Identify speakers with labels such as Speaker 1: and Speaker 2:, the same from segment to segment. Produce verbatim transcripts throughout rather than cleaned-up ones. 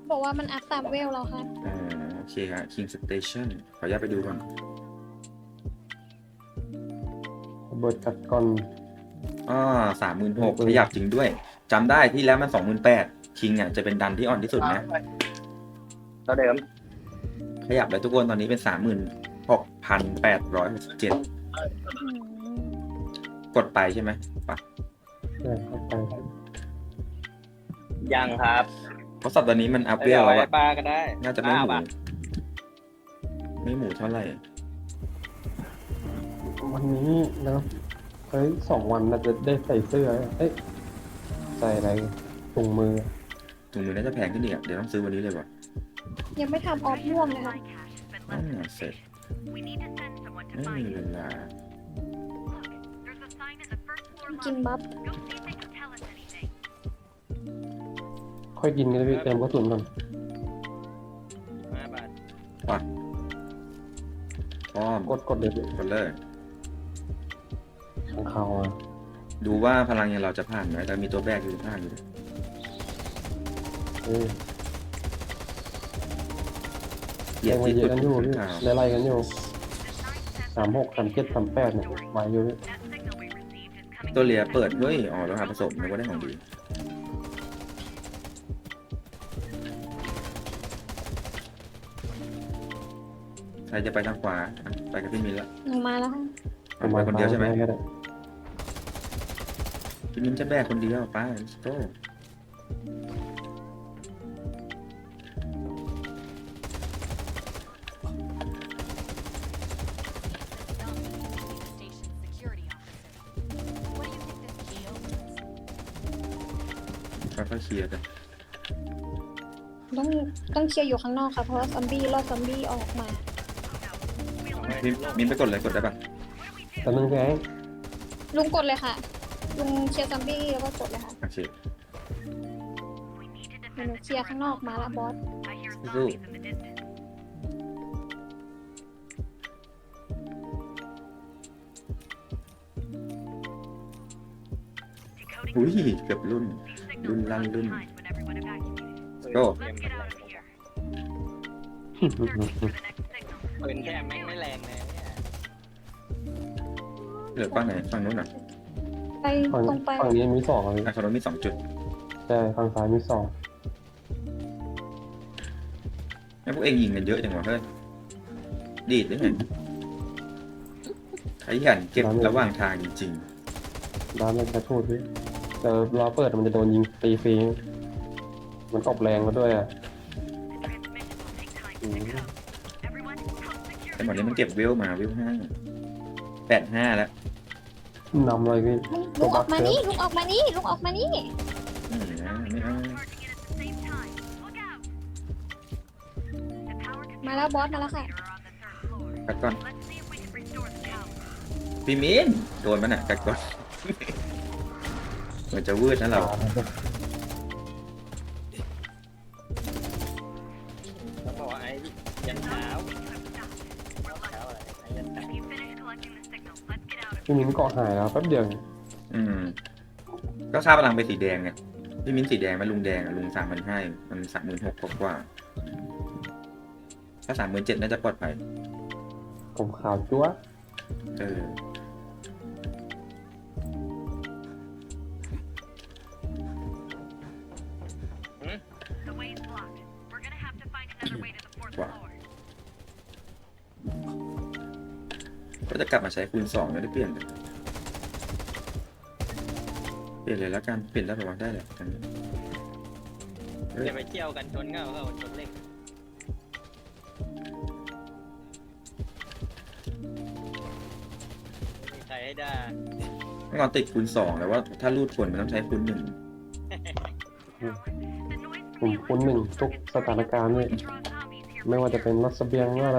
Speaker 1: บอกว่ามันอัพตามเวลเราค่ะ
Speaker 2: อ๋อโอเคครับ King Station ขออนุญาตไปดูก่อน
Speaker 3: ระเบิดกัดก่อน
Speaker 2: อ่าสามหมื่นหกขยับจริงด้วยจำได้ที่แล้วมันสองหมื่นแปดคิงอ่ะจะเป็นดันที่อ่อนที่สุดนะ
Speaker 4: เท่าเดิม
Speaker 2: ขยับเลยทุกคนตอนนี้เป็นสามหมื่นหกพันแปดร้อยหกสิบเจ็ดกดไปใช่ไหมปะ
Speaker 3: ใช่เข้าไป
Speaker 4: ยังครับ
Speaker 2: เพราะสัปดาห์นี้มันอัพเว
Speaker 4: เดี๋ย
Speaker 2: ล
Speaker 4: ว
Speaker 2: แล้ว
Speaker 4: ไว้
Speaker 2: อะ
Speaker 4: ปลาก็ได้
Speaker 2: น่าจะไม่หมู
Speaker 4: ปลา
Speaker 2: ไม่หมูเท่าไหร่
Speaker 3: วันนี้นะเฮ้ยสองวันเราจะได้ใส่เสื้อเอ้ยใส่อะไรถุงมือ
Speaker 2: ถุงมือน่าจะแพงขึ้นอีกอะเดี๋ยวต้องซื้อวันนี้เลยว่ะ
Speaker 1: ยังไม่ทำออฟม่วงเลยค่ะ
Speaker 2: อ่าเสร็จไม่มีเวลา
Speaker 1: กินบัฟ
Speaker 3: ค่อยกินกันเลยพี่เติมกระสุนก่อน
Speaker 4: ห้าบาท
Speaker 2: พร้อม
Speaker 3: กดกดเลยพี่
Speaker 2: กดเลย
Speaker 3: ข้างเขาอ่ะ
Speaker 2: ดูว่าพลังยังเราจะผ่านไหมแต่มีตัวแบกอยู่ข้างอยู่ด้วย
Speaker 3: เอ้ย
Speaker 2: เหยีย
Speaker 3: ยั
Speaker 2: ด
Speaker 3: งมา
Speaker 2: ที่
Speaker 3: เย
Speaker 2: สุ
Speaker 3: อะ
Speaker 2: ด
Speaker 3: กันอยู่พี่
Speaker 2: ข่าว
Speaker 3: ไล่ๆกันอยู่สามหกสามเจ็ดสามแปดเนี่ยมาอยู่พี่
Speaker 2: ตัวเลียเปิดเฮ้ยอ๋อแล้วหาผสมนึกว่าได้ของดีใครจะไปทางขวาอ่ะไปกับพี่มินละ
Speaker 1: หนูมาแล้วค่ะ
Speaker 2: เอาไปคนเดียวใช่ไหม
Speaker 3: ไม่ได้
Speaker 2: พี่มินจะแบกคนเดียวไปโต ค่อยๆเคลียร์กัน
Speaker 1: ต้องต้องเคลียร์อยู่ข้างนอกค่ะเพราะว่าซอมบี้รอดซอมบี้ออกมา
Speaker 2: พี่มินไปกดเลยกดได้ปะ
Speaker 3: แต่นึงแก
Speaker 1: ลุงกดเลยค่ะ ลุงเคลียร์ซอมบี้แล้วก็กดเลยค่ะ
Speaker 2: โอเค
Speaker 1: เดี๋ยวหนูเคลียร์ข้างนอกมาแล้วบอส
Speaker 2: สู้อุ้ยเกือบรุ่น รุ่นลั่นรุ่น โก้
Speaker 4: ปืนแค่แม่งไม่แรงเลยเนี่ย
Speaker 2: เหลือฝั่งไหนฝั่งนู้นเหรอ่ะ
Speaker 1: ไป
Speaker 3: ฝั่ง
Speaker 1: ตรงไป
Speaker 3: ฝั่งนี้มีสองเลย
Speaker 2: อ่ะฝั่งนู้นมีสองจุด
Speaker 3: ใช่ฝั่งซ้ายมีสอง
Speaker 2: แล้วพวกเองยิงกันเยอะจังวะเฮ้ยดีดได้ไงขยันเก็บระหว่างทางจริง
Speaker 3: ร้านมันจะพูดพี่แต่รอเปิดมันจะโดนยิงตีฟรีมันออกแรงมาด้วยอ่ะอืม
Speaker 2: ๆแต่หมดนี้มันเก็บเวลมาเวลห้าแปดห้าแล้ว
Speaker 3: นำเลยพี่
Speaker 1: ลุงลุงออกมานี่ลุงออกมานี่ลุงออกมานี่
Speaker 2: ไม่นะไม่เอา
Speaker 1: มาแล้วบอสมาแล้วค่ะ
Speaker 2: กัดก่อนพี่มินโดนมันอ่ะกัดก่อน เหมือนจะวืดนะเรา
Speaker 4: ต้องบอกว่าไอ้ยันเช้าเช้าอะไรไอ้ยันเช้า
Speaker 3: พี่มิ้นเกาะหายแล้วแป๊บเดียว
Speaker 2: อืม ก็ค่าพลังไปสีแดงไงพี่มิ้นสีแดงไหมลุงแดงอ่ะลุงสามพันห้ามันสามหมื่นหกกว่าถ้าสามหมื่นเจ็ดน่าจะปลอดภัย
Speaker 3: ผมขาวจั๊ว
Speaker 2: เออว่าก็จะกลับมาใช้คูณสองไม่ได้เปลี่ยนเลยเปลี่ยนเลยแล้วกันเปลี่ยนได้ประมาณได้แหละอันนี้เฮ้ย
Speaker 4: อย่าไปเที่ยวกันชนเข้าเข้าชนเล็กไม่มีใครให้ได้
Speaker 2: เมื่อก่อนติดคูณสองแต่ว่าถ้ารูดผลมันต้องใช้คูณหนึ่ง
Speaker 3: ผมคุ้นหนึ่งทุกสถานการณ์เลยไม่ว่าจะเป็นรถเสบียงว่าอะไร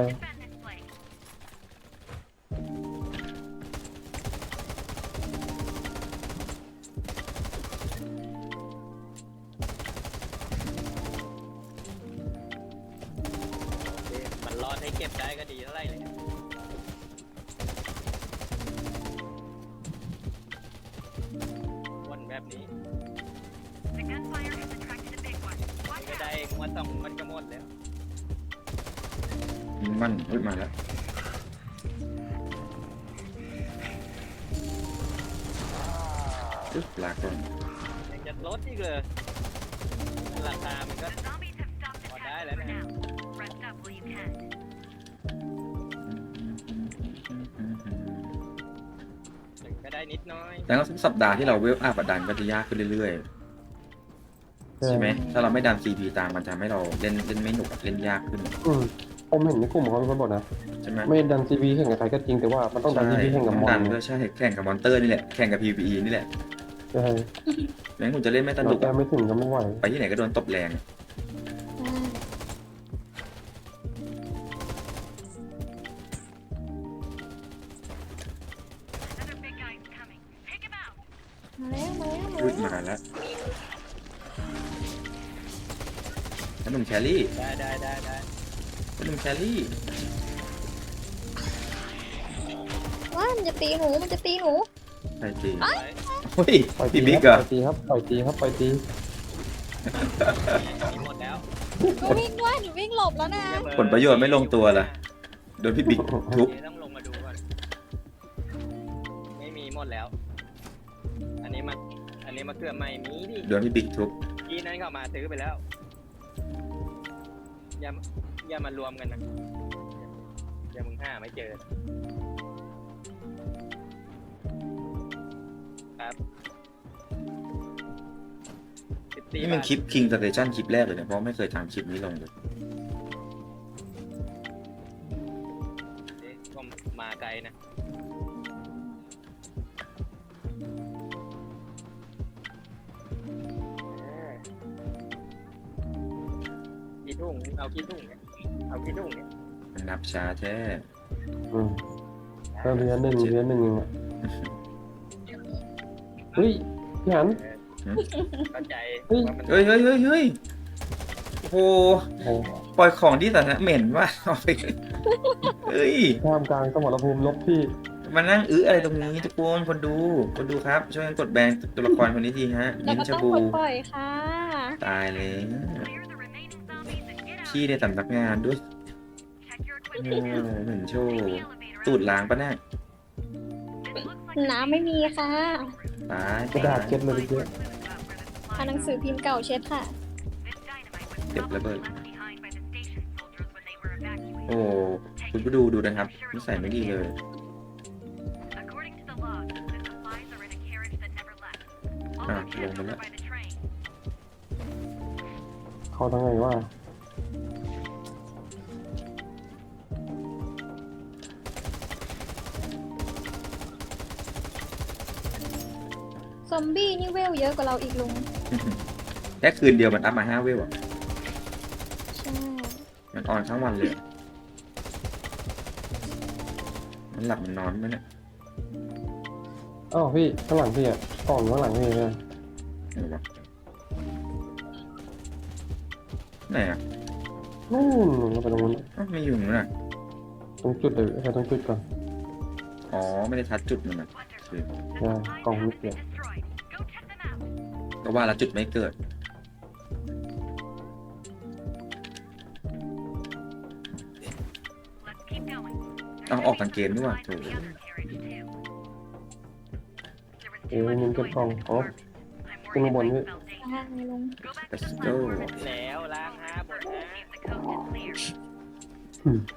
Speaker 4: มันรอดให้เก็บได้ก็ดีเท่าไหร่เลยวนแบบนี้ไม่ได้งวันสองมันก็หมดแล้ว
Speaker 2: ยิงมันอุ้ยมาแล้วอึ๊บลากก่อน
Speaker 4: ยังจะลดอีกเลยราคามันก็พอได้แล้วนะถึงก็ได้นิดน้อย
Speaker 2: แล้วก็ทุกสัปดาห์ที่เราเวลอัพดันก็จะยากขึ้นเรื่อยๆใช่ไหมถ้าเราไม่ดัน ซี พี ตามมันจะทำให้เราเล่นเล่นไม่หนุกเล่นยากขึ้น
Speaker 3: อืมผมเห็นในกลุ่มเขาเป็นคนบอกนะ
Speaker 2: ใช่ไหม
Speaker 3: ไม่ดันซีบีแข่งกับใครก็จริงแต่ว่ามันต้องดันซีบีแข่งกับมอน
Speaker 2: ดัน
Speaker 3: ไง
Speaker 2: ก็ใช่แข่งกับมอนเตอร์นี่แหละแข่งกับ พี วี อี นี่แหละ
Speaker 3: ใช่
Speaker 2: แม้คุณจะเล่นไม่ส
Speaker 3: เรา
Speaker 2: นุก
Speaker 3: แก้ไม่ถึงก็ไม่ไหว
Speaker 2: ไปที่ไหนก็โดนตบแรง
Speaker 1: อ่ามาแล้วมาแล้วมา
Speaker 2: รุด
Speaker 1: แล้ว
Speaker 2: มาแล้วแล้วหนุ่มแครี่
Speaker 4: ได้ได้ได้ได้
Speaker 2: แล้วหนุ่มแครี่
Speaker 1: ว้ามันจะตีหนูมันจะตีหนู
Speaker 2: ใครตี
Speaker 4: ไป
Speaker 2: เฮ้ย
Speaker 3: ปล่อยตี
Speaker 2: พี่บิ๊ก
Speaker 3: ค
Speaker 2: เหร
Speaker 3: รั
Speaker 2: อบ
Speaker 3: ปล่อยตีครับปล่อยตีครับปล่อยตี
Speaker 4: มีหมดแล้ว
Speaker 1: หนูวิ่งด้วยหนูวิ่งหลบแล้วนะ
Speaker 2: ผลประโยชน์ไม่ลงตัวล่ะโดนพี่บิ๊กทุบ
Speaker 4: เดี๋ยวต้องลงมาดูก่อนไม่มีหมดแล้ว อันนี้มาอันนี้มาเกือบไม่มีดิ
Speaker 2: โดนพี่บิ๊กทุบ
Speaker 4: ทีนั้นเขามาซื้อไปแล้ว อย่าอย่ามารวมกันนะอย่ามึงห้าไม่เจอครับสิบสี่
Speaker 2: นี่มัน
Speaker 4: บาท
Speaker 2: คลิป King Station คลิปแรกเลยเนี่ยเพราะไม่เคยทำคลิปนี้ลงเลย
Speaker 4: เอ๊ะก็มาไกลนะเออกี่ทุ่งเอากี่ทุ่งเนี่ยเอากี่ทุ่งเนี่ย
Speaker 2: มันนับช้าแท้
Speaker 3: อืมก็เรียนหนึ่งเรียนหนึ่งเองอะเฮ้ยพี่หัน
Speaker 4: เข้าใจ
Speaker 3: เฮ้ย
Speaker 4: ว่ามัน
Speaker 2: เฮ้ยเฮ้ยเฮ้ยเฮ้ยโอ้โห
Speaker 3: โอ้
Speaker 2: ปล่อยของที่สาธารณะเหม็นว่ะเอาไปเฮ้ย
Speaker 3: ท่ามกลางสมรภูมิลบที่
Speaker 2: มานั่งอื้ออะไรตรงนี้ทุกคนคนดูคนดูครับช่วยกันกดแบนตัวละครคนนี้ทีฮะ
Speaker 1: แล้ว
Speaker 2: มิ้น
Speaker 1: ก็
Speaker 2: ชา
Speaker 1: ต้อง
Speaker 2: บู
Speaker 1: กดปล่อยค่ะ
Speaker 2: ตายเลยขี้ในสำนักงานด้วยเออเหมือนโชว์ตูดล้างปะเนี่ย
Speaker 1: น้ำไม่มีค่ะ
Speaker 2: ตาย
Speaker 3: กระดาษเช็ดเลยเยอะ
Speaker 1: เอาหนังสือพิมพ์เก่าเช็ดค่ะ
Speaker 2: เก็บระเบิดโอ้คุณผู้ดูดูนะครับนิสัยไม่ดีเลย อ่ะลงมาแล้ว
Speaker 3: เขาทั้งไงว่า
Speaker 1: ซอมบี้นี่เวลเยอะกว่าเราอีกลุง
Speaker 2: แค่คืนเดียวมันอัพมาห้าเวลอ่ะ
Speaker 1: ใช่
Speaker 2: มันออนทั้งวันเลยอะมันหลับมันนอนไหมเนี่ย
Speaker 3: อ้าวพี่ข้างหลังพี่อ่ะกล่องข้างหลังพี่เนี่ย
Speaker 2: ไหนวะไหนอ่ะ
Speaker 3: นู่นเราไปตรงนู้น
Speaker 2: อ้าวไม่อยู่นู่นน่ะ
Speaker 3: ตรงจุดเลยไปตรงจุดก่อน
Speaker 2: อ๋อไม่ได้ทัดจุดมันนะโอเค
Speaker 3: ใช่กล่องนิดเดียว
Speaker 2: ก็ว่าแล้วจุดไม่เกิด เอาออกกางเกมด้วยว่ะโถ
Speaker 3: เอ้ยมันเก็บกล่องอ๋อขึ้นข้างบนพี่
Speaker 1: อ่าลุง
Speaker 2: let's go
Speaker 4: แล้วล้างห้าหมดนะ
Speaker 3: อืม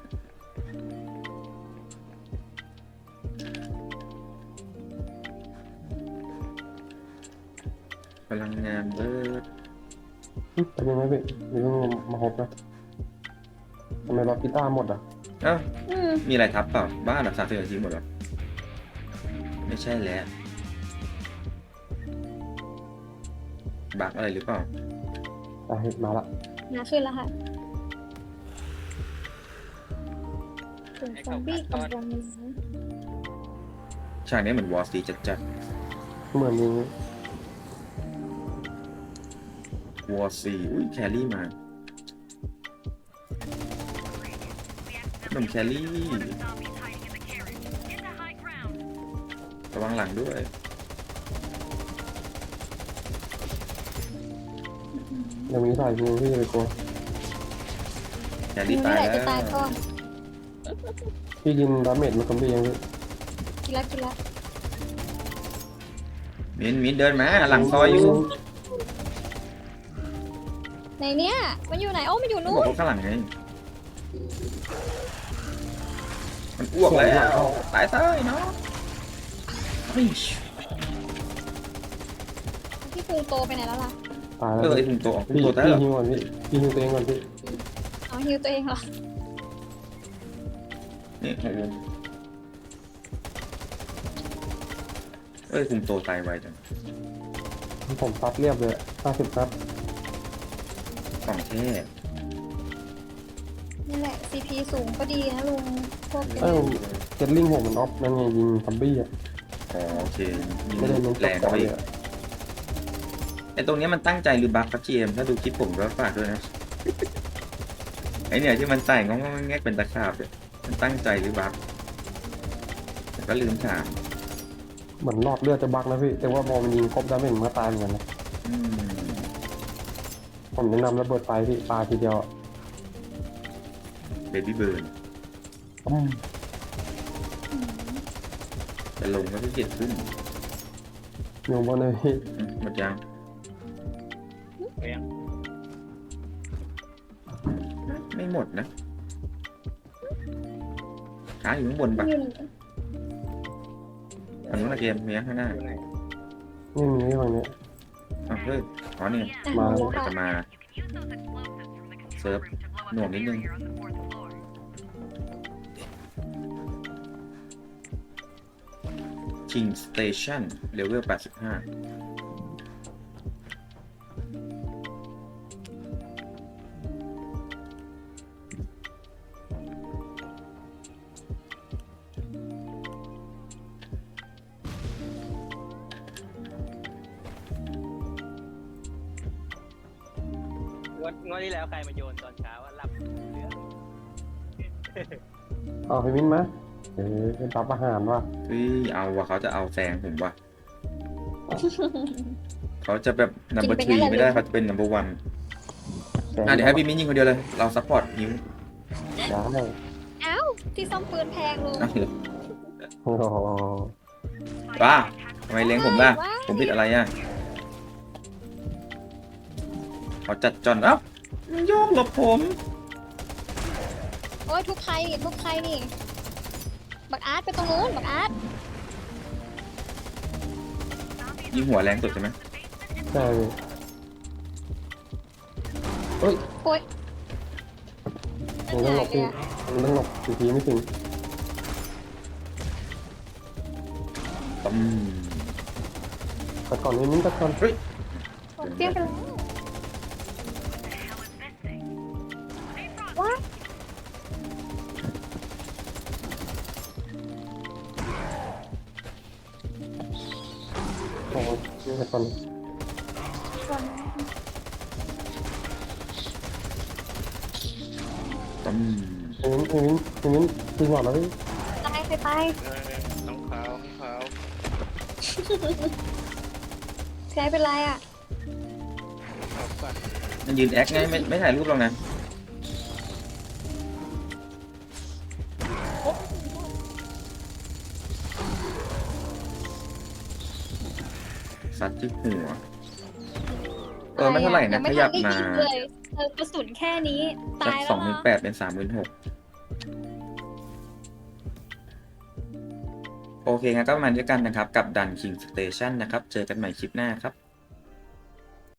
Speaker 2: พลังงานเบิร์ด
Speaker 3: เป็นยังไงพี่เดี๋ยวต้องมาฮบนะทำไมล็อกกีตาร์หมดอ่ะ
Speaker 2: เอ้า
Speaker 1: อืม
Speaker 2: มีอะไรทับเปล่า บ้านหลักสามสิบนาทีหมดแล้วไม่ใช่แล้วบักอะไรหรือเปล่า
Speaker 3: อ่ะเห็นมาละ
Speaker 1: มาขึ้นแล้วค่ะถึงซอมบี้กำลังมี
Speaker 2: ฉากนี้เหมือนวอร์ซีจัดจัด
Speaker 3: เหมือนมี
Speaker 2: วอร์ซีอุ้ยแครี่มาหนุ่มแครี่ระวังหลังด้วย
Speaker 1: อืม
Speaker 3: ยังมีสายยิงพี่ไปกลัว
Speaker 2: แค
Speaker 1: ฮิ
Speaker 2: รี่
Speaker 1: ว
Speaker 2: ตา
Speaker 1: นี่
Speaker 2: ย
Speaker 1: แหละ
Speaker 2: แล้
Speaker 1: จะตายว ก่อน
Speaker 3: พี่กินดาเมจมาคอมบี้ยังพี่
Speaker 1: กินแล้วกินแล้ว
Speaker 2: มินมินเดินมาหลังซอยอยู่
Speaker 1: ในเนี้ยมันอยู่ไหนโอ้มันอยู่
Speaker 2: บ
Speaker 1: นู้
Speaker 2: อก
Speaker 1: น
Speaker 2: ว่าข้างหลังไงมันอ้วกแล้วตายซะไอ้เนาะเฮ้ย
Speaker 1: พี่พุงโตไปไหนแล้วล่ะ
Speaker 3: ตาย
Speaker 2: เอ
Speaker 3: แล้ว
Speaker 2: อไอ้ถุงโตออกถุง
Speaker 3: พี่
Speaker 2: โตตาย
Speaker 3: พี่
Speaker 2: เหรอ
Speaker 3: ฮิวก่อนพี่พี่ฮิวตัวเองก่อนพี่
Speaker 1: เอาฮิวตัวเองเหรอ
Speaker 2: นี่โอ้โหเอ้ยถุงโตตายไวจัง
Speaker 3: ผมซัดเรียบเลยห้าสิบนัด
Speaker 2: ของแท้
Speaker 1: นี่แหละ ซี พี สูงก็ดีนะลุงพวก
Speaker 3: เอ้าเจ็ตลิงผมมันออฟนั่นไงยิงซอมบี้อ่ะ
Speaker 2: อ๋อโอเคยิง
Speaker 3: ไม่ได้เน้น
Speaker 2: แรง
Speaker 3: ต่
Speaker 2: เข้า
Speaker 3: อ
Speaker 2: ไป
Speaker 3: เล
Speaker 2: อี
Speaker 3: ย
Speaker 2: ก
Speaker 3: อะ
Speaker 2: ไอ้ตรงเนี้ยมันตั้งใจหรือบั๊กครับจีเอ็มถ้าดูคลิปผมก็ฝากด้วยนะ ไอ้เนี่ยที่มันใส่งงๆแงกๆเป็นตะขาบเนี่ยมันตั้งใจหรือบั๊กแต่ก็ลืมถาม
Speaker 3: เหมือนหลอดเลือดจะบักนะพี่แต่ว่าพอมันยิงครบดาเมจมันก็ตายเหมือนกันนะ
Speaker 2: อืม
Speaker 3: ผมแนะนำระเบิดไฟพี่ปาทีเดียวอะ
Speaker 2: เบบี้เบิร์น
Speaker 3: อืม
Speaker 1: อืม
Speaker 2: จะลงก็ที่เกียจขึ้น
Speaker 3: อยู่บนเลยพี่
Speaker 2: อืมหมดยัง
Speaker 4: เรียง
Speaker 2: ไม่หมดนะขาอยู่ข้างบนปะ
Speaker 1: อยู่
Speaker 2: อันนู้นนะเกมเมียข้างหน้า
Speaker 4: อยู่ไหน
Speaker 3: นี่มีที่ฝั่งนี้
Speaker 2: อ่ะเฮ้ยอ๋อนี่
Speaker 1: อ่ะ
Speaker 3: มา
Speaker 1: รู้
Speaker 2: ก็
Speaker 1: ค่ะ
Speaker 2: จะมาเซิร์ฟหน่วงนิดนึง King Station เลเวลแปดสิบห้า
Speaker 4: งวดงวดที่แล้วใครมาโยนตอนเช้าว่าหลับเรือ
Speaker 3: เอาพี่มิ้นมาเออเป็นรับอาหารว่ะ
Speaker 2: เฮ้ยเอาว่ะเขาจะเอาแซงผมว่ะ เขาจะแบบ number
Speaker 1: กินไปงั้น
Speaker 2: three
Speaker 1: แหละ
Speaker 2: ไม่ได้เขาจะเป็น number one
Speaker 3: แกง
Speaker 2: อ่ะเดี๋ยวให้พี่มิ้นยิงคนเดียวเลย เราซัพพอร์ตนิ้ว
Speaker 3: ได้
Speaker 1: เอ้าที่ซ่อมปืนแพงลุง
Speaker 2: อ้าวเหรอ
Speaker 3: โอ้โห
Speaker 2: ว้าทำไมเลี้ยงผมล่ะ
Speaker 1: ว้าย
Speaker 2: ผมผิดอะไรอ่ะเขาจัดจอนเอ้ามันโยกหลบผม
Speaker 1: โอ้ยทุกใครนี่ทุกใครนี่ บักอาร์ตไปตรงนู้นบักอาร์ต
Speaker 2: ยิงหัวแรงสุดใช่ไหม
Speaker 3: ใช่พี่
Speaker 1: โอ้ย
Speaker 3: มันต้องหลบพี่มันต้องหลบทีทีไม่ถึง
Speaker 2: ต้ม
Speaker 3: แต่ก่อนนี้มิ้นแต่ก่อน
Speaker 2: เฮ้ย
Speaker 1: โอ้ยเปรี้ยงไปแล้วว้าย
Speaker 3: โอ้โหแต่ก่อน
Speaker 2: ต้ม
Speaker 3: พี่มิ้นพี่มิ้นพี่มิ้นจริงหรอแล้วพี่
Speaker 1: ตายไปไป
Speaker 4: น้องขาวน้องขาว
Speaker 1: แพ้เป็นไรอ่ะ
Speaker 4: ขาวก่อน
Speaker 2: มันยืนแอคไงไม่ไม่ถ่ายรูปหรอกนะซัดที่หัว เออไม่เท่าไหร่นะ
Speaker 1: ยังไม่
Speaker 2: ขยับ
Speaker 1: ทันได้
Speaker 2: มา
Speaker 1: ยิงเลยเออกระสุนแค่นี้
Speaker 2: จาก
Speaker 1: ตาย
Speaker 2: ส
Speaker 1: แล้
Speaker 2: อ
Speaker 1: ว
Speaker 2: งหมื่น
Speaker 1: นะ
Speaker 2: แปดเป็นสามหมื่นหกโอเคครับก็ประมาณนี้กันนะครับ กับดัน King Station นะครับ เจอกันใหม่คลิปหน้าครับ